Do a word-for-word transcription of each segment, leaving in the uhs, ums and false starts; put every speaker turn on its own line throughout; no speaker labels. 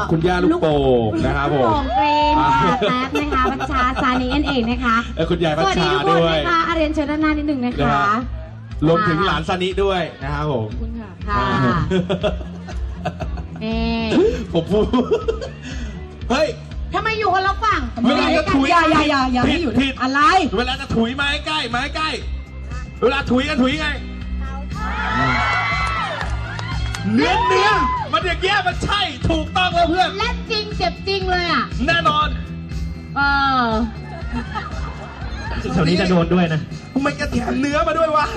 คุณย่าลูกโป่งนะครับผม
ลูกโป่งเกรนค่ะแท็บนะคะบัญชาซานีเอ็นเองนะคะ
เออคุณยายบัญชาด้วยสวัสดีทุกคน
นะคะอาเรียนเชิญด้านหน้านิดหนึ่งนะคะ
รวมถึงหลานซานิด้วยนะครับผม
ขอบคุณค่ะเอ๊
ผมพูดเฮ้ย
ทำไมอยู่กันละฝั่ง
เวลาจะถุย
อย่าอย่าอย่าอย่าให้อยู่อะไร
เวลาจะถุยมาใกล้มาใกล้เวลาถุยกันถุยไงเนื้อเนื้อมันอย่างเงี้ยมันใช่ถูกต้องแล้วเพื่อน
และจริงเจ็บจริงเลยอ่ะ
แน่นอน
เออ
แถวนี้จะโดนด้วยนะ
ทำไมกระแถมเนื้อมาด้วยวะ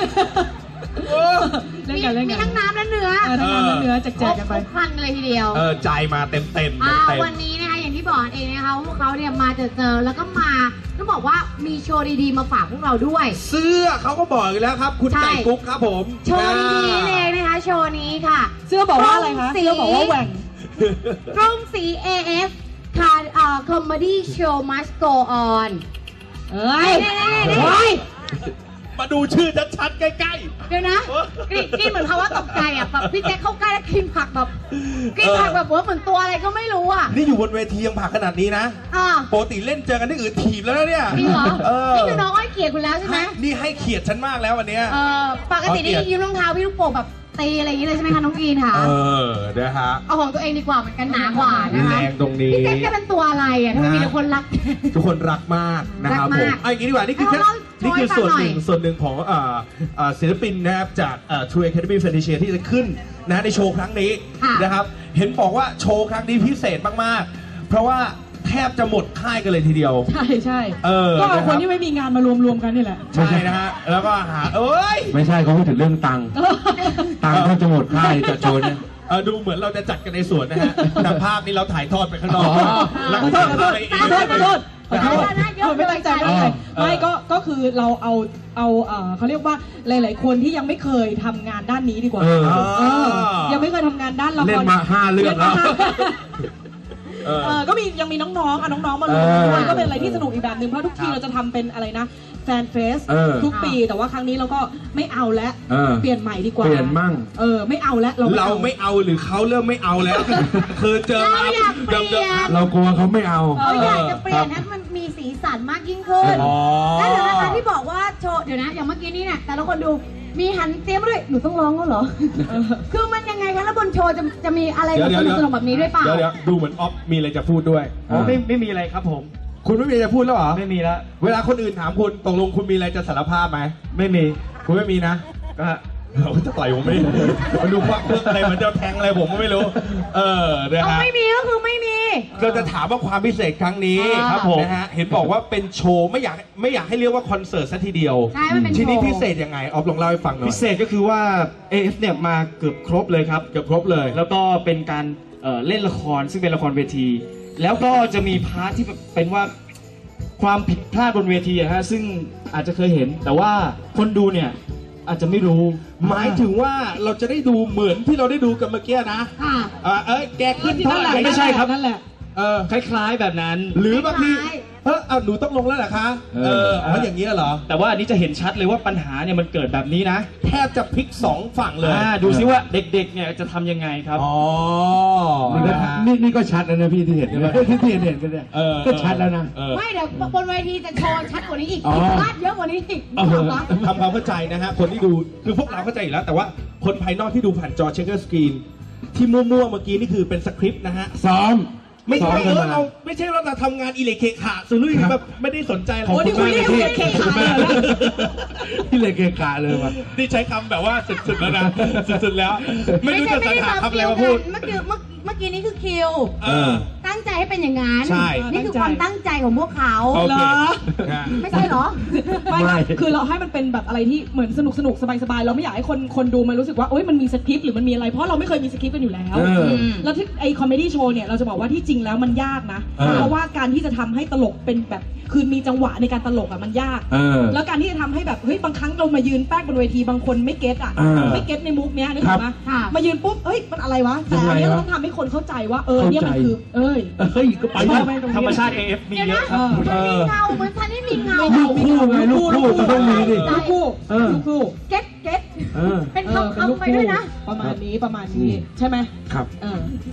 มีมีทั้งน้ำและเนื้อ
ทั้งน้ำและเนื้อแจกๆกันไป
ครันเลยทีเดียว
เออใจมาเต็มเต็ม
วันนี้นะคะอย่างที่บอกเองนะคะพวกเขาเนี่ยมาเจอเจอแล้วก็มาต้องบอกว่ามีโชว์ดีๆมาฝากพวกเราด้วย
เสื้อเขาก็บอกอยู่แล้วครับคุณไก่กุ๊กครับผม
โชว์ดีๆเลยนะคะโชว์นี้ค่ะ
เสื้อบอกว่าอะไรคะเสื้อบอกว่าแหว่ง
กรุงศรี เอ เอฟ ค่ะอ่า Comedy Show Must Go On
เอ้ยเฮ้ย
มาดูชื่อชัดๆใกล้
ๆเดี๋ยวนะกรี๊ดเหมือนเขาว่าตกใจอ่ะแบบพี่แจ๊คเข้าใกล้แล้วกินผักแบบกินผักแบบเหมือนตัวอะไรก็ไม่รู้อ่ะ
นี่อยู่บนเวทียังผักขนาดนี้นะปกติเล่นเจอกันที่อื่นถีบแล้วเนี่ย
จริงเหรอนี่คือน้องอ้อยเกียรติคุณแล้วใช่ไหม
นี่ให้เกียรติฉันมากแล้ววันนี้
ปกตินี่ยืมรองเท้าพี่ลูกโป่งแบบตีอะไรอย่างนี้เลยใช่ไหมคะน้องกรีนค่ะ
เออนะฮะ
เอาของตัวเองดีกว่ามันกันหนากว่านะคะ
แรงตรงนี้
พี่แจ๊คจะเป็นตัวอะไรอ่ะทำไมมีแต่คนรัก
ทุกคนรักมากนะครับผมไอ้อย่างนี้ดีกว่านี่คือนี่คือส่วนหนึ่งส่วนหนึ่งของศิลปินนะครับจาก True Academy Fantasia ที่จะขึ้นนะในโชว์ครั้งนี้นะครับเห็นบอกว่าโชว์ครั้งนี้พิเศษมากๆเพราะว่าแทบจะหมดค่ายกันเลยทีเดียว
ใช่ใช่ก็เอาคนที่ไม่มีงานมารวมๆกันนี่แหละ
ใช่นะฮะแล้วก็หาเอ้ย
ไม่ใช่เขาพูดถึงเรื่องตังค์ตังค์แทบจะหมดค่ายจะโชว์เนี่ย
ดูเหมือนเราจะจัดกันในสวนนะฮะแต่ภาพนี้เราถ่ายทอดไปข้างนอก
แล้วก็ถ่ายทอดไปเองขอโทษขอโทษไม่ตั้งใจไม่ตั้งใจไม่ก็ก็คือเราเอาเอาเขาเรียกว่าหลายๆคนที่ยังไม่เคยทำงานด้านนี้ดีกว่ายังไม่เคยทำงานด้านละคร
เล่นมาห้าเรื่องแล้ว
เออก็มียังมีน้องๆอ่ะน้องๆมาลงด้วยก็เป็นอะไรที่สนุกอีกแบบหนึ่งเพราะทุกทีเราจะทำเป็นอะไรนะแฟนเฟสทุกปีแต่ว่าครั้งนี้เราก็ไม่เอาแล้วเปลี่ยนใหม่ดีกว่า
เปลี่ยนมั่ง
เออไม่เอาแล้ว
เราเราไม่เอาหรือเขาเริ่มไม่เอาแล้วคือเจอมา
เดิมๆ
เรากลัวเขาไม่เอา
เขาอยากจะเปลี่ยนให้มันมีสีสันมากยิ่งขึ้นแล้วเดี๋ยวนะคะที่บอกว่าโชว์เดี๋ยวนะอย่างเมื่อกี้นี้เนี่ยแต่ละคนดูมีหันเตรียมด้วยหนูต้องร้องแล้วเหรอคือมันยังไงคะแล้วบนโชว์จะจะมีอะไรสนุกสนุกแบบนี้ด้วยเปล่า
เดี๋ยวดูเหมือนออฟมีอะไรจะพูดด้วย
อ๋อไม่ไม่มีอะไรครับผม
คุณไม่มีอะไรจะพูดแล้วเหรอ
ไม่มีแล้ว
เวลาคนอื่นถามคุณตกลงคุณมีอะไรจะสารภาพไหม
ไม่มี
คุณไม่มีนะก็เราจะต่อยผมไม่มาดูควักเรื่องอะไรเหมือนจะแทงอะไรผมก็ไม่รู้เออนะฮะ
ไม่มีก็คือไม่มี
เราจะถามว่าความพิเศษครั้งนี้ครับผมนะฮะเห็นบอกว่าเป็นโชว์ไม่อยากไม่อยากให้เรียกว่าคอนเสิร์ตซะทีเดียว
ใช่มันเป็นโชว์
ทีนี้พิเศษยังไงออฟลองเล่าให้ฟังหน่อย
พิเศษก็คือว่า เอ เอฟ เนี่ยมาเกือบครบเลยครับ
เกือบครบเลย
แล้วก็เป็นการเล่นละครซึ่งเป็นละครเวทีแล้วก็จะมีพาร์ทที่เป็นว่าความผิดพลาดบนเวทีอะฮะซึ่งอาจจะเคยเห็นแต่ว่าคนดูเนี่ยอาจจะไม่รู้
หมายถึงว่าเราจะได้ดูเหมือนที่เราได้ดูกันเมื่อกี้นะอ่าเอ้ยแกขึ้นเท่าไหร่
ไม่ใช่ครับนั่นแหละ
เออ
คล้ายๆแบบนั้น
หรือบางทีเฮ้ยเอาหนูต้องลงแล้วเหรอคะเอออ๋ออย่างนี้เหรอ
แต่ว่าอันนี้จะเห็นชัดเลยว่าปัญหาเนี่ยมันเกิดแบบนี้นะ
แทบจะพลิกสองฝั่งเลย
ดูซิว่าเด็กๆเนี่ยจะทำยังไงครับ
อ๋อ
นี่นี่ก็ชัดแล้วนะพี่ที่เห็นที่ที่เห็นกันเนี่ยก็ชัดแล้วนะ
ไม่เดี๋ยวบนเวทีจะโชว์ชัดกว่านี้อีกพลาดเยอะกว่านี้อีก
ทำความเข้าใจนะฮะคนที่ดูคือพวกเราเข้าใจอยู่แล้วแต่ว่าคนภายนอกที่ดูผ่านจอเช็คเกอร์สกรีนที่มั่วๆเมื่อกี้นี่คือเป็นสคริปต์นะฮะ
ซ้อม
ไม่ใช่เราไม่ใช่เราทำงานอิเล็กเคขาสุรุ่ยแบบไม่ได้สนใจ
โอ้นี่คุยเรื่องอิเล็กเคขาเลย
อิเล็กเคขาเลยว่ะ
นี่ใช้คำแบบว่าสุดๆแล้วนะสุดๆแล้วไม่รู้จะสรรหาคำอะไรมาพูด
เมื่อกี้เมื่อกี้นี้คือคิวตั้งใจให้เป็นอย่างนั้นนี่คือความตั้งใจของพวกเขา
เหรอ
ไม่ใช่เหรอ
ไม่คือเราให้มันเป็นแบบอะไรที่เหมือนสนุกสนุกสบายๆเราไม่อยากให้คนคนดูมันรู้สึกว่าโอ๊ยมันมีสคริปต์หรือมันมีอะไรเพราะเราไม่เคยมีสคริปต์กันอยู่แล้วแล้วที่ไอคอมเมดี้โชว์เนี่ยเราจะบอกว่าที่จริงแล้วมันยากนะเพราะว่าการที่จะทำให้ตลกเป็นแบบคือมีจังหวะในการตลกอ่ะมันยากแล้วการที่จะทำให้แบบเฮ้ยบางครั้งเรามายืนแป๊กบนเวทีบางคนไม่เก็ตอ่ะไม่เก็ตในมุกเนี้ยนึกออกไหมมายืนปุ๊บเอ้ยมันอะไรวะแต่อันนี้เราต้องทำให้คนเข้าใจว่าเออเนี่ยมันคือเอ้ย
เฮ้ยก็ไปธรรมชาติ เอ เอฟ มีเยอะครับ
มันมีเงาเหมือนท่านนี่มีเงา
ลูกคู่ไงลูกคู่มันต้องมีดิ
ลูกคู่ลูกคู่
เก็ตเก็ตเป็นคำคำไปด้วยนะ
ประมาณนี้ประมาณนี้ใช่ไหม
ครับ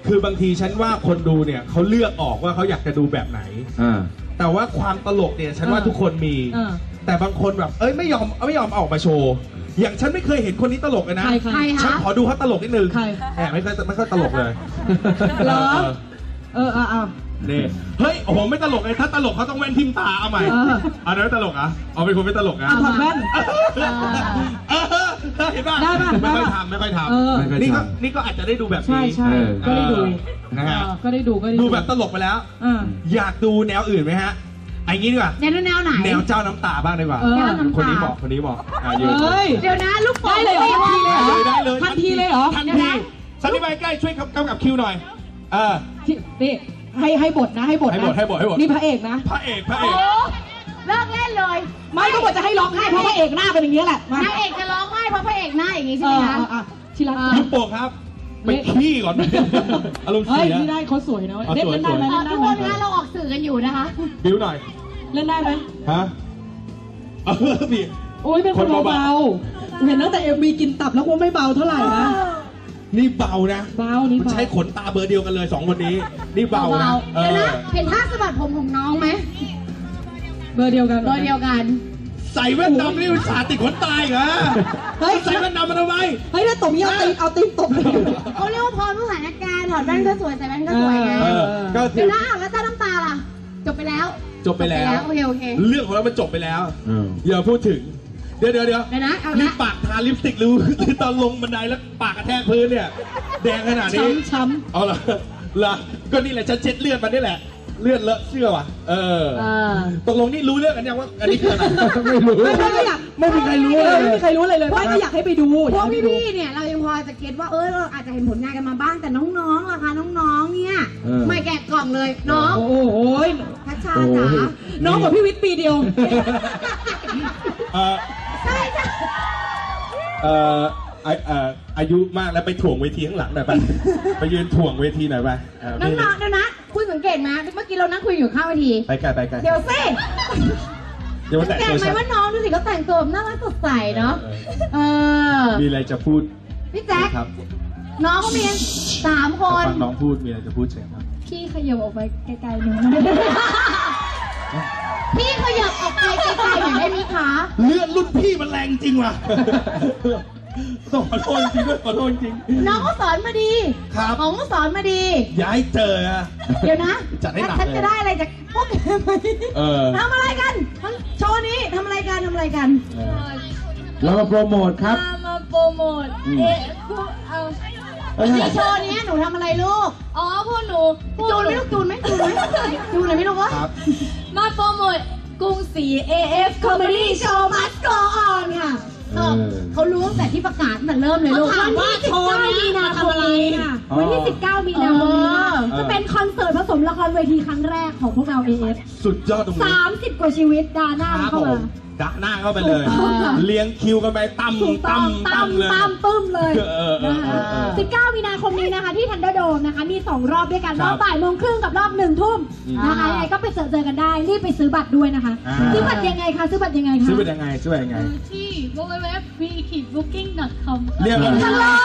คือบางทีฉันว่าคนดูเนี่ยเขาเลือกออกว่าเขาอยากจะดูแบบไหน
อ่า
แต่ว่าความตลกเนี่ยฉันว่าทุกคนมี แต่บางคนแบบเอ้ยไม่ยอมไม่ยอมเอาออกมาโชว์อย่างฉันไม่เคยเห็นคนนี้ตลกเลยนะ
ใครใคร
ฉันขอดูเขาตลกนิดนึง
ใคร
แหมไม่ค่อยไม่ค่อยตลกเลย
เหรอ เออเอาเอา
นี่เฮ้ยโอ้โหไม่ตลกเลยถ้าตลกเขาต้องแว่นทิมตาเอาใหม่
เออ
อันนั้นไม่ตลกอ่ะเอาเป็นคนไม่ตลกอ่ะ
เอาถอดแว่น
เออเห็นป่ะ
ได้ป่ะ
ไม่ค่อย
ได้ป่ะ
ทำไม่ค่อยท
เออ
ำนี่ก็นี่ก็อาจจะได้ดูแบบ
ใช่
นี้
ใช่ก็ได้ดู
นะฮะ
เออก็ได้ดูก็ได้
ดูแบบตลกไปแล้ว
อ่า
อยากดูแนวอื่นไหมฮะไอ้งี้ดีกว่า
แนวแนวไหน
แนวเจ้าน้ำตาบ้างดีกว่า
เออ
แนวน้ำตา
คนนี้บอกคนนี้บอกอ่ะยืน
เฮ้ย
เดี๋ยวนะลูกโป่ง
ได้เลยเหรอ
ได้เลย
ทันทีเลยเหรอ
ทันทีสันนิบายใกล้ช่วยกำกับคิวหน่อยเออ
ที่นี่ให้ให้บทนะให้บทนะ
ให้บทให้บทให้บท
นี่พระเอกนะ
พระเอกพระเอ
โอ้
ก
เลิกเล่นเลย
ไม่ก็บทจะให้ร้องไห้เพราะพระเอกหน้าเป็นอย่างนี้ยแหละมาน
างเอกจะร้องไห้เพราะพระเอกหน้าอย่างนี้
เอ
ใช่ไหม
อ
คะ
เอออ่ะชิรัก
ลูกโป่งครับไปขี้ก่อนอารมณ์
เฮ้
เสี
ย
ย
นี่ได้เขาสวยนะเว้ย
เอา
เล่น
สวย
เล่นได้ไหม
เอ่อ
เล่นได้
ทุก
ไหม
คนนะเราออกสื่อกันอยู่นะคะ
บิ้วหน่อย
เล่นได้ไหม
ฮะเออพี่
โอ้ยเป็นคน
คนเบา
เบาๆเห็นตั้งแต่เอ็มวีกินตับแล้วก็ไม่เบาเท่าไหร่นะ
นี่เบานะ
เบานี่
มัน
เบา
ใช้ขนตาเบอร์เดียวกันเลยสองคนนี้นี่เบานะเอ
เดี๋ยว
อ
นะเห็นท่าสะบัดผมของน้องไหม
เบอร์เดียวกัน
โดยเดียวกัน
ใส่แว่นดำนี่มันสาติดขนตาอีกเหรอ
เฮ้ย
ใส่แว่นดำมาทำไม
เฮ้ยถ้าตบนี้เอาตีนเอาตีนตบเลย
เขาเรียกว่าพรสถานการณ์ถอดแว่นก็สวยใส่แว่นก็สวยไง
เออก็คื
เดี๋ย
อ
วนะอ้าวแล้วเจ้าน้ำตาล่ะ จบไปแล้ว
จบไปแล้ว
โอเคโอเค
เรื่องของเรามันจบไปแล้ว
อืม
อย่าพูดถึง เดี๋ยวเดี๋ยวเดี๋ยว
เดี๋ยวนะเอานะ
นี่ปากทาลิปสติกหรือหรือตอนลงบันไดแล้วปากกระแทกพื้นเนี่ย แดงขนาดนี้
ช้ำช้ำ
เอาเหรอเหรอก็นี่แหละฉันเช็ดเลือดมันนี่แหละ เลือดเลอะเสื้อว่ะ เออ
เออ
ตกลงนี่รู้เรื่องกันยังว่าอันนี้คืออะไร
ไม่รู้
ไม่ไม่ไม่อยาก
ไม่มีใครรู้
เอ
เล
อย ไม่มีใครรู้เลยเลยไม่ก็อยากให้ไปดู
พ
อ
วย
าก
ก
ให้ไปดู
พี่ๆเนี่ยเรายังพอจะเก็ตว่าเออเราอาจจะเห็นผลงานกันมาบ้างแต่น้องๆล่ะคะน้องๆเนี่ย
เออ
ไม่แกะกล่องเลยน้อง
โอ้โห
พัชชาจ๋า
น้องกับพี่วิทย์ปีเดียว
เออ
ใช่จ้ะ
เออไอเอ่ออายุมากแล้วไปถ่วงเวทีข้างหลังหน่อยไป ไปยืนถ่วงเวทีหน่อยไปเออ
น้
ไม่
องๆเดี๋ยวนะคุณสังเกตไหมเมื่อกี้เรานั่งคุยอยู่ข้างเวที
ไปไกลไปไกล
เดี๋ยวสิ
เดี๋ยวมา
สั
แตะ
งเก
ตั
ต
ว
ไหม
ฉัน
ว่าน้องดูสิเขาแต่งตัวน่ารักสดใสเนาะเออ
มีอะไรจะพูด
พี่แจ๊ค
ครับ
น้องก็มีกันสามคน
ฟังน้องพูดมีอะไรจะพูดเชิญครับ
พี่ขยับออกไปไกลๆหน่อยพี่ขยับออกไปไกลๆหน่อยได้ไหมคะ
เลือดรุ่นพี่มันแรงจริงว่ะ ต้องขอโทษจริงด้วยขอโทษจริง
น้องก็สอนมาดี
ครับ
น้องก็สอนมาดี
ย้ายเจออะ
เดี๋ยวนะ
จัดให้หนัก
ฉัน
เลย
จะได้อะไรจากพวกแกไหม
เออ
ทำอะไรกันโชว์นี้ทำอะไรกันทำอะไรกัน
เออ
เรามาโปรโมทครับ
มามาโปรโมท
อืม
เอ๊ะพวกเอา
ในโชว์นี้หนูทำอะไรลูก
อ๋อพวกหนูพวก
จูนไหม
ห
ลูกจูนไหมจูนไหมจูนหน่อยไหมลูกวะ
ครับ
มาโปรโมทกรุงศรี เอ เอฟ
Comedy Show Must Go On ค่ะ
เออ
เขารู้ตั้งแต่ที่ประกาศตั้งแต่เริ่มเลยลูก
ถามว่าโชว์นี้มาทำอะไรค่ะ
วันที่
สิบเก้ามีนาคมนี้ค่ะ
เออ
จะเป็นคอนเสิร์ตผสมละครเวทีครั้งแรกของพวกเรา เอ เอฟ
สุดยอดตรงนี้
สามสิบกว่าชีวิตดาหน้า
ครับ
เข้า
ผม
มา
ดะหน้าเข้าไปเลย
ถูกต้อง
เลี้ยงคิวกันไปตั้ม
ถูกต้
ตั้
อง
ม
ตั้
ตั้
ม
มเลย
ตั้มปึ้มเลย
เออเออเออเออ
สิบเก้ามีนาคมนี้นะคะที่ทันเดอร์โดมนะคะ มีสองรอบด้วยกัน
ค
ร
รั
อ
บบ
บ่ายโมงครึ่งกับรอบหนึ่งทุ่ม
อืม
นะคะยังไงก็ไปเจอเจอกันได้ รีบไปซื้อบัตรด้วยนะคะ
อ่า
ซื้อบัตรยังไงคะซื้อบัตรยังไงคะ
ซื้อเป็นยังไงซื้อเป็นยังไง
ที่ ดับเบิลยู ดับเบิลยู ดับเบิลยู ดอท วี บุ๊กกิ้ง ดอท คอม
เรียกอะไร
กันเลย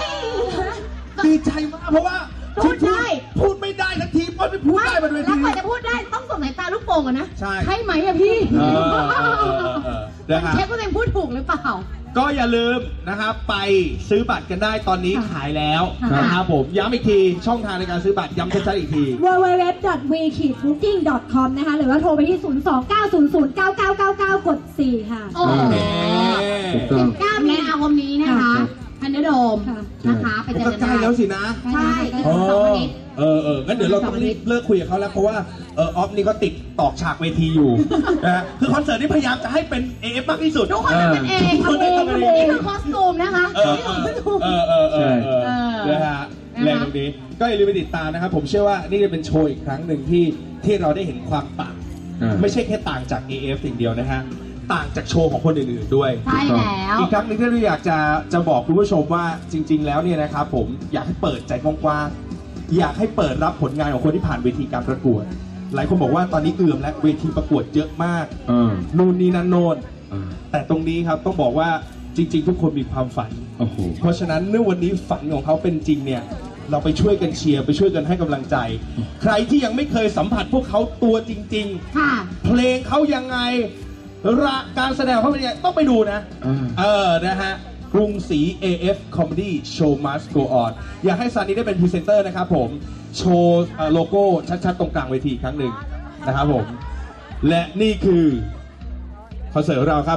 ดีใจมากเพราะว่า
พูดได้
พูดไม่ได้ทันทีเพราะไม่พูดได้บนเว
แล้
ที
วกว่าจะพูดได้ต้องส่งสายตาลูกโป่งอะนะ
ใช่
ใช่ไหมอะพี่
เออเออเออเออเออนะค
มัน
รับ
เช็คว่าตัวเองพูดถูกหรือเปล่า
ก็อย่าลืมนะครับไปซื้อบัตรกันได้ตอนนี้ขายแล้ว
ค่ะ
นะครับผมย้ำอีกทีช่องทางในการซื้อบัตรย้ำชัดๆอีกที
ดับเบิลยู ดับเบิลยู ดับเบิลยู ดอท วี บุ๊กกิ้ง ดอท คอม นะคะหรือว่าโทรไปที่ ศูนย์ สอง เก้า ศูนย์ ศูนย์ เก้า เก้า เก้า เก้า กด สี่ ค่ะ
โอเค
ถูกต้อง
สิบเก้ามีนาคมนี้นะคะทันเดอร์โดม
ค่ะ
นะคะ ไป
มัน
เจอ
ก็
กัน
ใกล้
ได้
แล้วสินะ
ใช่อีก
อ๋อ
สองอาทิตย์
เออเอองั้นเดี๋ยวเราต้องรีบเลิกคุยกับเขาแล้วเพราะว่าเออออฟนี่ก็ติดตอกฉากเวทีอยู่ นะฮะคือคอนเสิร์ตนี่พยายามจะให้เป็น เอ เอฟ มากที่สุด
ทุกคนทำเป็นเอง
ทุกคน
ทำเอง
ทำเป็น
ทำ
เอง
เองนี่คือคอสตูมนะคะ
เออ
นี่คือคอสตูม
เออเออเออเออ
เออ
นะฮะแรงตรงนี้ก็อย่าลืมไปติดตามนะครับ ผมเชื่อว่านี่จะเป็นโชว์อีกครั้งหนึ่งที่ที่เราได้เห็นความต่าง
อ่า
ไม่ใช่แค่ต่างจาก เอ เอฟ สิ่งเดียวนะฮะต่างจากโชว์ของคนอื่นๆด้วย
ใช่แล้ว
อีกครั้งหนึงที่เราอยากจะจะบอกคุณผู้ชมว่าจริง ๆ แล้วเนี่ยนะครับผมอยากให้เปิดใจกว้างๆอยากให้เปิดรับผลงานของคนที่ผ่านเวทีการประกวด หลายคนบอกว่าตอนนี้เอื่อมและเวทีประกวดเยอะมาก
เออ
นู่นนี่นั่นโน่น
เออ
แต่ตรงนี้ครับต้องบอกว่าจริง ๆ ทุกคนมีความฝัน
โอ้โห
เพราะฉะนั้นเมื่อวันนี้ฝันของเขาเป็นจริงเนี่ยเราไปช่วยกันเชียร์ไปช่วยกันให้กำลังใจ ใครที่ยังไม่เคยสัมผัสพวกเขาตัวจริง
ค่ะ
ๆ เพลงเขายังไงระการแสดงเขาเป็นยังไงต้องไปดูนะ
อ่า
เออ นะฮะ กรุงศรี เอ เอฟ Comedy Show Must Go On อยากให้ซานีได้เป็นพรีเซนเตอร์นะครับผม โชว์เอ่อโลโก้ชัดๆ ตรงกลางเวทีอีกครั้งหนึ่งนะครับผม และนี่คือคอนเสิร์ตของเราครับ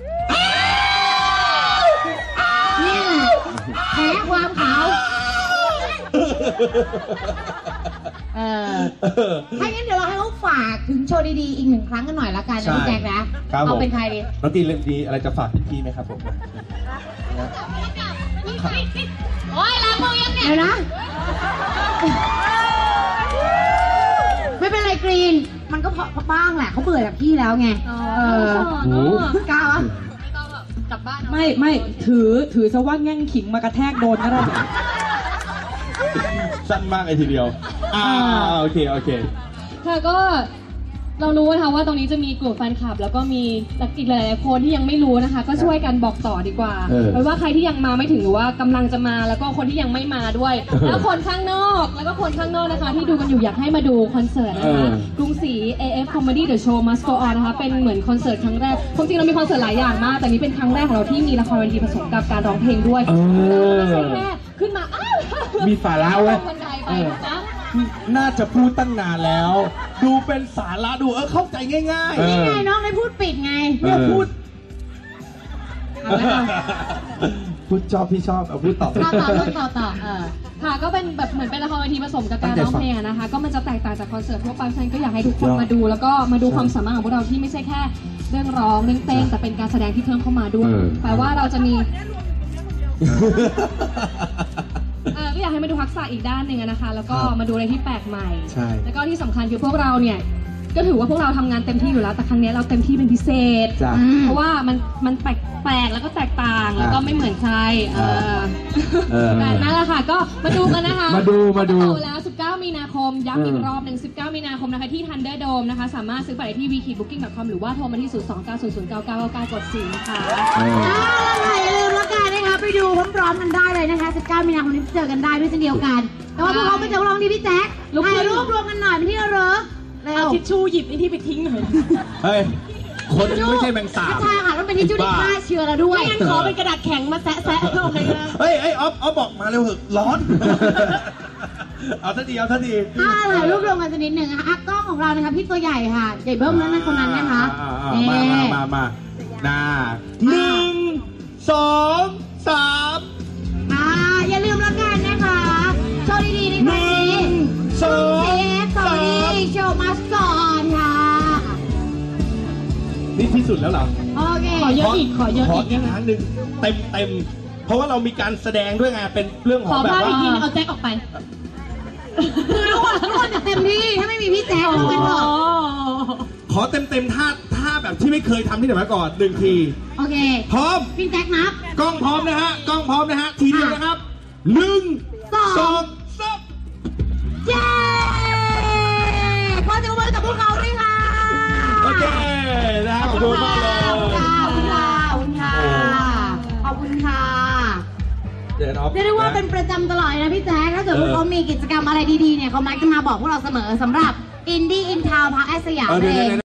นี่แหละแพ้ความขาวเออถ้างั้นเดี๋ยวเราให้เขาฝากถึงโชว์ดีๆ อีกหนึ่งครั้งกันหน่อยละกันนะพี่แจ็คนะครับ
ผม
เอาเป็นใครดี
น้องตีเล่นดีอะไรจะฝากพี่ๆไหมครับผม
โอ้ยล้างมือยังเนี่ย
เดี๋ยวนะ ไม่เป็นไรกรีน มันก็พอบ้างแหละเขาเบื่อจากพี่แล้วไง เออ
โอ้
กล้าวะ
ไม่ต้องหรอกกลับบ้านเอา
ไม่ไม่ถือถือซะว่าแง่งขิงมากระแทกโดนก็ได้
สั้นมากเลยทีเดียว อ่า โอเค โอเค
ค่ะก็เรารู้นะคะว่าตรงนี้จะมีกลุ่มแฟนคลับ แล้วก็มีอีกหลายๆคนที่ยังไม่รู้นะคะ ก็ช่วยกันบอกต่อดีกว่า
เออ
ไม่ว่าใครที่ยังมาไม่ถึงหรือว่ากำลังจะมาแล้วก็คนที่ยังไม่มาด้วย แล้วคนข้างนอกแล้วก็คนข้างนอกนะคะ ที่ดูกันอยู่อยากให้มาดูคอนเสิร์ตนะคะกรุงศรี เอ เอฟ Comedy The Show Must Go On นะคะเป็นเหมือนคอนเสิร์ตครั้งแรกความจริงเรามีคอนเสิร์ตหลายอย่างมากแต่นี้เป็นครั้งแรกของเราที่มีละครเวทีผสมกับการร้องเพลงด้วย
เออ
ไม่ใช่แค่ขึ้นมาอ้าว
มีสาระเว้ย
ลงบันไดไปนะ
น่าจะพูดตั้งนานแล้ว ดูเป็นสาระดูเออเข้าใจง่าย
เอ
นี่
อ
ไงน้องได้พูดปิดไง
เออ
พูด
เอาละค่ะ
พูดชอบพี่ชอบเอาพูดต่อ
ต่อต่อต่อต่อต่อเออ
ค่ะก็เป็นแบบเหมือนเป็นละครเวทีผสมกับการร้องเพลงอะนะคะ ก็มันจะแตกต่างจากคอนเสิร์ตทั่วไปฉะนั้นก็อยากให้ทุกคนมาดู แล้วก็มาดูความสามารถของพวกเราที่ไม่ใช่แค่เรื่องร้องเรื่องเต้นแต่เป็นการแสดงที่เพิ่มเข้ามาด้วย
เออ
แปลว่าเราจะมีเออก็อยากให้มาดูทักษะอีกด้านหนึ่งอะนะคะ แล้วก็
ครับ
มาดูอะไรที่แปลกใหม่
ใช่
แล้วก็ที่สำคัญคือพวกเราเนี่ยก็ถือว่าพวกเราทำงานเต็มที่อยู่แล้วแต่ครั้งนี้เราเต็มที่เป็นพิเศษ
จ้ะ
เพราะว่ามันมันแปลกแปลกแล้วก็แตกต่างแล้วก็ไม่เหมือนใครเออ
เออ
แต่นั่นแหละค่ะก็มาดูกันนะคะ
มาดูมาดู
เอแล้ว สิบเก้า มีนาคม ย้ำอีกรอบหนึ่งสิบเก้า มีนาคมนะคะที่ Thunderdome นะคะ สามารถซื้อบัตรได้ที่ วี คี บุ๊กกิ้ง ดอท คอม หรือว่าโทรมาที่ ศูนย์ สอง เก้า ศูนย์ ศูนย์ เก้า เก้า เก้า กด สี่ นะคะ
เออ
เอาละค่ะอย่าลืมแล้วกันนะคะไปดูพร้อมๆกันได้เลยนะคะ สิบเก้า มีนาคมนี้เจอกันได้ด้วยเช่นเดียวกัน แต่ว่าพวกเขาไปเจอพวกเราที่พี่แจ๊ค
ลุกขึ้น
ถ่ายรูปรวมกันหน่อยเป็นที่ระลึกเร็
เอา
ว
ทิชชู่หยิบไอ้ที่ไปทิ้งหน่อย
เฮ้ย คนไม่ใช่แมงสาบ
ไม่ใช่ค่ะต้องเป็นทิชชู่ที่ฆ่าเชื้อแล้วด้วย
ไม่งั้นขอเป็นกระดาษแข็งมาแซะแซะๆเอาไปนะ
เฮ้ยเฮ้ยออฟออฟบอกมาเร็วเถอะร้อน เอาทันทีเอาทันที
ถ้าถ่ายรูปรวมกันสักนิดหนึ่งนะคะอ่ะกล้องของเรานะคะพี่ตัวใหญ่ค่ะ ใหญ่เบิ้มแล้วนะคนนั้นนะคะ
อ่าอ่าอ่ามามามามาน่าหนึ่งสองสาม
อ่าอย่าลืมแล้วกันนะคะโชว์ดีๆในครั้งนี้
สอง
เซฟสวัสดีโชว์มาสก่อนค่ะ
นี่ที่สุดแล้วเหรอ
โอเค
ขอเยอะอีกขอเยอะ
ขอ
อีก
อีกครั้งหนึ่งเต็มเต็มเพราะว่าเรามีการแสดงด้วยไงเป็นเรื่องข
ข
อ
อง
แบบ
ภาพ
ว่า
อีกทีนึงเอาแจ็คออกไป
คือทุกคนทุกคนจะเต็มที่ถ้าไม่มีพี่แจ๊คทุกคนเถอะ
ขอเต็มเต็มๆท่าท่าแบบที่ไม่เคยทำที่ไหนมาก่อนหนึ่งที
โอเค
พร้อม
พี่แจ๊คนับ
กล้องพร้อมนะฮะกล้องพร้อมนะฮะทีเดียวนะครับหนึ่ง
สอง
สองสาม
เย้ขอเสียงปรบมือกับพวกเขาด้วยค่ะ
โอเคนะขอบคุณมากเลย
ขอบคุณค่ะขอบคุณค่ะขอบคุณค่ะขอบคุณค่ะ
เดี๋ยวออฟ
เรียกได้ว่าเป็นประจำตลอดเลยนะพี่แจ๊คถ้าเกิดพวกเขามีกิจกรรมอะไรดีๆเนี่ยเขามักจะมาบอกพวกเราเสมอสำหรับ Indie in Town พักแอสสยาม
เออ
เอ
เดี๋ยว
ง
ๆ